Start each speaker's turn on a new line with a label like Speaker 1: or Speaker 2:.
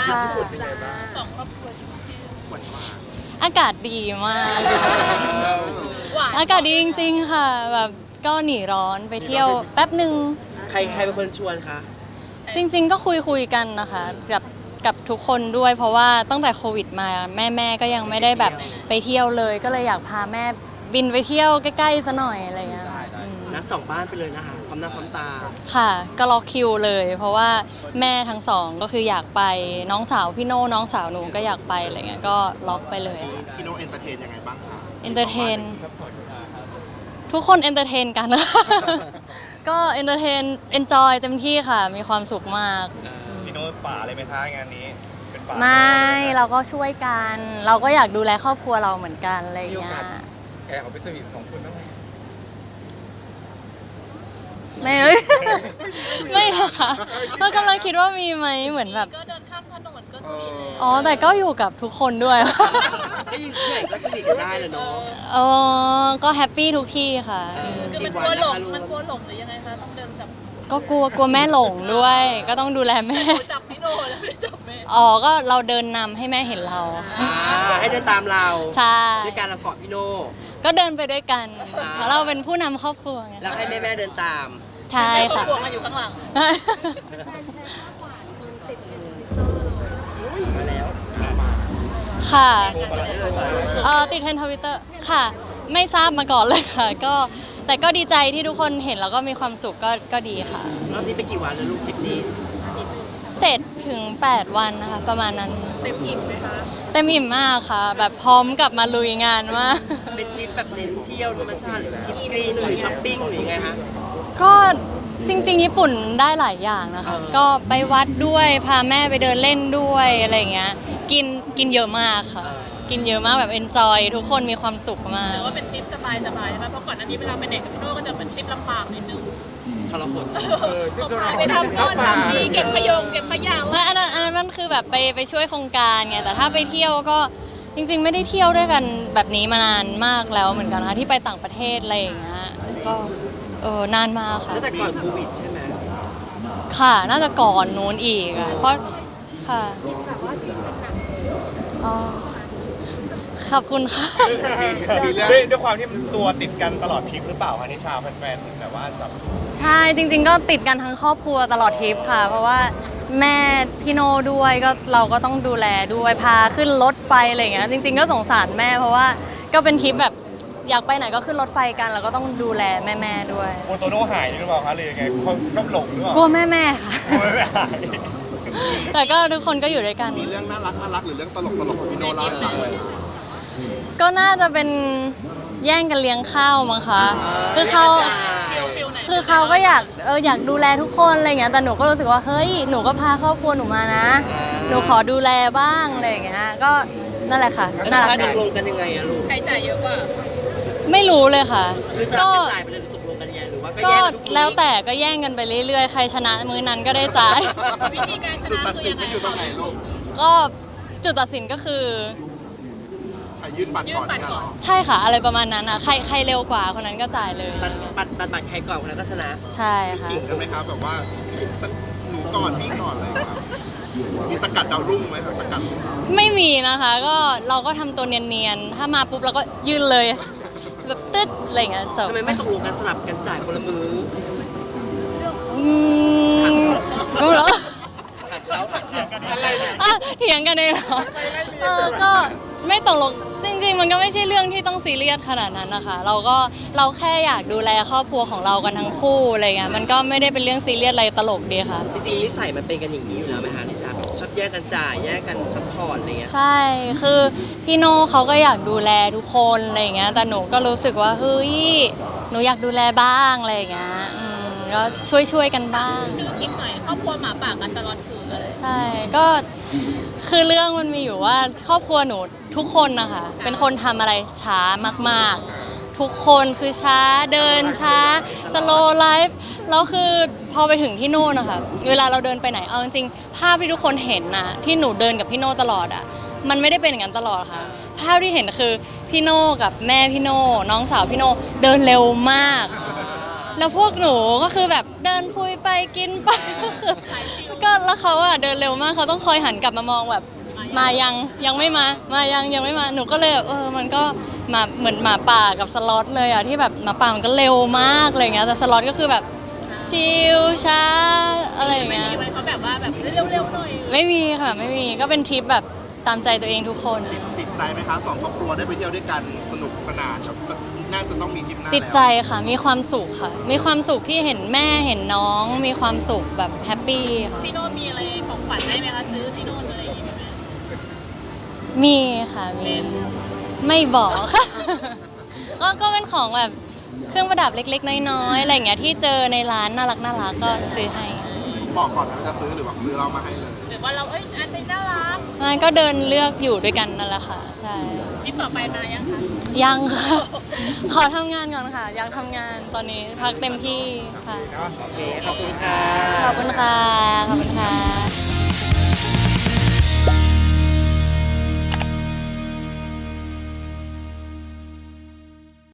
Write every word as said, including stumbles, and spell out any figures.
Speaker 1: ค่ะ
Speaker 2: สองครอบครัวชิว
Speaker 1: อากาศดีมาก
Speaker 2: ๆหวาน
Speaker 1: อากาศดีจริงๆค่ะแบบก็หนีร้อนไปเที่ยวแป๊บหนึ่ง
Speaker 3: ใครใครเป็นคนชวนคะ
Speaker 1: จริงๆก็คุยคุยกันนะคะกับกับทุกคนด้วยเพราะว่าตั้งแต่โควิดมาแม่แม่ก็ยังไม่ได้แบบไปเที่ยวเลย ก็เลยอยากพาแม่บินไปเที่ยวใกล้ๆซะหน่อยอะไรเงี้ยอืม
Speaker 3: นัดสองบ้านไปเลยนะคะพร้อมหน้าพร้อมตา
Speaker 1: ค่ะก็ล็อกคิวเลย เพราะว่าแม่ทั้งสองก็คืออยากไปน้องสาวพี่โน่น้องสาวหนูก็อยากไปอะไรเงี้ยก็ล็อกไปเลยค่ะ
Speaker 4: พี่โนเอนเตอร์เทนยังไงบ้างคะ
Speaker 1: เอนเตอร์เทนทุกคนเอนเตอร์เทนกัน ก็เอนเตอร์เทนเอนจอยเต็มที่ค่ะ มีความสุขมาก
Speaker 5: พี่โน้ตป่าเลยไหมคะงานนี้เป็นป่า
Speaker 1: ไม่เราก็ช่วยกัน เราก็อยากดูแลครอบครัวเราเหมือนกันอะไรอย่างเงี้ย
Speaker 5: แกเอาไปสวีทสองคนบ้างไหม
Speaker 1: ไม่เอ้ย ไม่นะคะเรากำลังคิดว่ามีไหมเหมือนแบบ
Speaker 2: ก็เดินข้ามถนนก็สวีทเลย
Speaker 1: อ๋อแต่ก็อยู่กับทุกคนด้วย
Speaker 3: ก็ยิงที่ไหนก็สนิทกันได้เลยเนาะ
Speaker 1: อ๋อก็แฮปปี้ทุกที่ค่ะอืม
Speaker 2: คือมันกลัวหลงมันกลัวหลงหรือยังไงคะต้องเดินจับ
Speaker 1: ก็กลัวกลัวแม่หลงด้วย ก็ต้องดูแลแม่
Speaker 2: จับพี่โนแล้วไม่ได้จับแม่
Speaker 1: อ๋อก็เราเดินนำให้แม่เห็นเรา
Speaker 3: อ่าให้เดินตามเรา
Speaker 1: ใช่
Speaker 3: ด้วยการเราเกาะพี่โน่
Speaker 1: ก็เดินไปด้วยกันเพราะเราเป็นผู้นำครอบครัวไง
Speaker 3: แล้วให้แม่แม่ๆเดินตาม
Speaker 1: ใช่ค่ะ
Speaker 2: พวงมาอยู่ข้างหลัง
Speaker 3: มาแล้ว
Speaker 1: ค่ะเอ่อติดเทรนด์ทวิตเตอร์ค่ะ ไม่ทราบมาก่อนเลยค่ะ ก็แต่ก็ดีใจที่ทุกคนเห็นแล้วก็มีความสุขก็ก็ดีค่ะ
Speaker 3: รอบนี้ไปกี่วันแล้วลูกทริปนี้
Speaker 1: เจ็ดถึงแปดวันนะคะ ประมาณนั้น
Speaker 2: เต็มอิ่มไหมคะ
Speaker 1: เต็มอิ่มมากค่ะ แบบพร้อมกลับมาลุยงานมาก
Speaker 3: เป็นทริปแบบเน้นเที่ยวธรรมชาติหรือทริปกรีนหรือช้อปปิ้งหรือยังไงคะ
Speaker 1: ก็จริงๆญี่ปุ่นได้หลายอย่างนะคะ
Speaker 3: เออ
Speaker 1: ก็ไปวัดด้วยพาแม่ไปเดินเล่นด้วยอะไรอย่างเงี้ยกินกินเยอะมากค่ะ กินเยอะมากแบบเอนจอยทุกคนมีความสุขมา
Speaker 2: ห
Speaker 1: ก
Speaker 2: รือว่าเป็นทริปสบายๆใช่ไหมเพราะก่อนหน้านี้เวลาไปไหนกับพี่โนก็จะเหมือนทริปลำบากนิดนึง
Speaker 3: ทรหด
Speaker 2: เขาพาไปทำโน่นทำนี่เก็บขยงเก็บขยะ
Speaker 1: ไม่อันนั้นอันนั้นมันคือแบบไปไปช่วยโครงการไงแต่ถ้าไปเที่ยวก็จริง ๆ ไม่ได้เที่ยวด้วยกันแบบนี้มานานมากแล้วเหมือนกันค่ะที่ไปต่างประเทศอะไรอย่างเงี้ยก็เออนานมากค่ะ
Speaker 3: ตั้งแต่ก่อนโควิดใช่ไหม
Speaker 1: ค่ะน่าจะก่อนนู้นอีกอ่ะเพราะค่ะอ๋อขอบคุณค่ะ
Speaker 4: มีเรื่อง
Speaker 5: ด้วยด้วยความที่มันตัวติดกันตลอดทริปหรือเปล่าคะนิชาแฟนๆแบบว่าจับ
Speaker 1: ใช่จริง ๆ ก็ติดกันทั้งครอบครัวตลอดทริปค่ะ เพราะว่าแม่พี่โน่ด้วยก็เราก็ต้องดูแลด้วยพาขึ้นรถไฟอะไรอย่างเงี้ยจริง ๆ ก็สงสารแม่เพราะว่าก็เป็นทริปแบบอยากไปไหนก็ขึ้นรถไฟกันแล้วก็ต้องดูแลแม่ๆด้วย
Speaker 5: โมโตโน่หายหรือเปล่าคะหรือยังไงเขาก็หลงหรือเปล่าก
Speaker 1: ลัวแม่ๆค่ะ
Speaker 5: กลัวไม่หาย
Speaker 1: แต่ก็ทุกคนก็อยู่ด้วยกัน
Speaker 4: มีเรื่องน่ารักน่ารักหรือเรื่องตลกตลกของพี่โนเล่าให้ฟังเลยค่ะ
Speaker 1: ก็น่าจะเป็นแย่งกันเลี้ยงข้าวมั้งคะคือเขา
Speaker 2: ฟิลฟิลไหน
Speaker 1: คือเขาก็อยากเอออยากดูแลทุกคนอะไรเงี้ยแต่หนูก็รู้สึกว่าเฮ้ยหนูก็พาครอบครัวหนูมานะ หนูขอดูแลบ้างอะไรอย่างเงี้ยก็นั่นแหละค่ะ
Speaker 3: แล้ว
Speaker 1: น่ารัก
Speaker 3: ถ้าต
Speaker 1: ดี
Speaker 3: กลงกันยังไงอะลูก
Speaker 2: ใครจ่ายเยอะกว่า
Speaker 1: ไม่รู้เลยค่ะ
Speaker 3: คือสลั
Speaker 1: ก็
Speaker 3: บกันจ่ายไปเลยหรือตกลงกันยังไงหรือว่าก็
Speaker 1: ก็
Speaker 3: แย่งกันทุกมื้อ
Speaker 1: แล้วแต่ก็แย่งกันไปเรื่อยๆ ใครชนะมื้อนั้นก็ได้จ่าย
Speaker 2: วิธีการช
Speaker 4: จุด
Speaker 2: นะ
Speaker 4: ตัด
Speaker 2: คือ
Speaker 4: สิน
Speaker 2: ยังไง
Speaker 4: ไม่อยู่ตรงไหนลูก
Speaker 1: ก็จุดตัดสินก็คือ
Speaker 4: ใครยื่นบัตร
Speaker 2: ยื่
Speaker 4: ก่อน น
Speaker 2: บัตร
Speaker 4: เนี่ย
Speaker 2: ก่
Speaker 4: เหร
Speaker 2: อน
Speaker 4: อ
Speaker 1: ใช่ค่ะ อะไรประมาณนั้นอ่ะใครใครเร็วกว่าคนนั้นก็จ่ายเลย
Speaker 3: ตัดบัตรตัดบัตรใครก่อนคนนั้นก็ชนะ
Speaker 1: ใช่ค่ะ
Speaker 4: ขิงกันไหมครับแบบว่าฉันหนูก่อนพี่ก่อนอะไรอย่างเงี้ยมีสกัดดาวรุ่งไหมครับสกัด
Speaker 1: ไม่มีนะคะก็เราก็ทำตัวเนียนๆ ถ้ามาปุ๊บเราก็ยื่นเลย แบบตึ๊ดอะไรอย่างเงี้ยจบ
Speaker 3: ทำไมไม่ตกลงกันสลับกันจ่ายคนละมือ
Speaker 1: อืมรู้แล้ว
Speaker 3: หักเขาหักเขา
Speaker 1: อ่ะเถียงกันเองเหรอเออก็ไม่ตกลงจริงๆ มันก็ไม่ใช่เรื่องที่ต้องซีเรียสขนาดนั้นนะคะ เราก็เราแค่อยากดูแลครอบครัวของเรากันทั้งคู่อะไรเงี้ยมันก็ไม่ได้เป็นเรื่องซีเรียสอะไรตลกดีค่ะ
Speaker 3: จริงๆนิสัยมันเป็นกันอย่างนี้อยู่แล้วไหมคะนิชาแบบชอบแยกกันจ่ายแยกกันซัพพอร์ตอะไรเงี้ย
Speaker 1: ใช่ คือพี่โน่เขาก็อยากดูแลทุกคนอะไรอย่างเงี้ย แต่หนูก็รู้สึกว่าเฮ้ย หนูอยากดูแลบ้างอะไรอย่างเงี้ย อืมก็ช่วยช่วยๆกันบ้าง
Speaker 2: ชื่อทริปหน่อยครอบครัวหมาป่ากับสล็อตคืออะไร
Speaker 1: ใช่ ก็คือเรื่องมันมีอยู่ว่าครอบครัวหนูทุกคนนะคะ เป็นคนทำอะไรช้ามากๆ ทุกคนคือช้าเดินช้าสโลไลฟ์แล้วคือพอไปถึงที่โน่นนะคะเวลาเราเดินไปไหนเอาจริงๆภาพที่ทุกคนเห็นนะที่หนูเดินกับพี่โน่ตลอดอ่ะมันไม่ได้เป็นอย่างนั้นตลอดค่ะ ภาพที่เห็นคือพี่โน่กับแม่พี่โน่น้องสาวพี่โน่เดินเร็วมากแล้วพวกหนูก็คือแบบเดินคุยไปกินไป ก็แล้วเขาอะเดินเร็วมากเขาต้องคอยหันกลับมามองแบบมายังยังไม่มามายังยังไม่มาหนูก็เลยแบบเออมันก็มาเหมือนหมาป่ากับสล็อตเลยอะที่แบบหมาป่ามันก็เร็วมากอะไรเงี้ยแต่สล็อตก็คือแบบชิลช้าอะไรอย่าง
Speaker 2: ไม่
Speaker 1: เงี้ย
Speaker 2: มีไว้เขาแบบว่าแบบเร็วๆหน่อย
Speaker 1: ไม่มีค่ะไม่มีก็เป็นทริปแบบตามใจตัวเองทุกคน
Speaker 4: ติดใจไหมคะสองครอบครัวได้ไปเที่ยวด้วยกันสนุกสนานครับน่าจะต้องมีทริปหน้า
Speaker 1: ติดใจค่ะมีความสุขค่ะ มีความสุขที่เห็นแม่เห็นน้อง มีความสุขแบบแฮปปี้ค่ะ
Speaker 2: พี่โน้ตมีอะไรของขวัญได้ไหมคะซื้อพี่โน้ตอะไรอย่างงี้ไหม
Speaker 1: มีค่ะมีไม่บอกค่ะ ก็ก็เป็นของแบบเครื่องประดับเล็กๆน้อยๆอะไรอย่างเงี้ยที่เจอในร้านน่ารักน่ารักก็ซื้อให้
Speaker 4: บอกก่อนนะว่าจะซื้อหรือว่าซื้อเรามาให้เลย
Speaker 2: หรือว่าเราเอ้ยอันนี้น่ารัก
Speaker 1: มันก็เดินเลือกอยู่ด้วยกันนั่นแหละค่ะใช่
Speaker 2: ทริปต่อไปมายังคะ
Speaker 1: ยังค่ะ ขอทำงานก่อนค่ะยังทำงานตอนนี้พักเต็มที่ค่ะ
Speaker 3: โอเค ขอบคุณค่ะ
Speaker 1: ขอบคุณค่ะขอบคุณค่ะ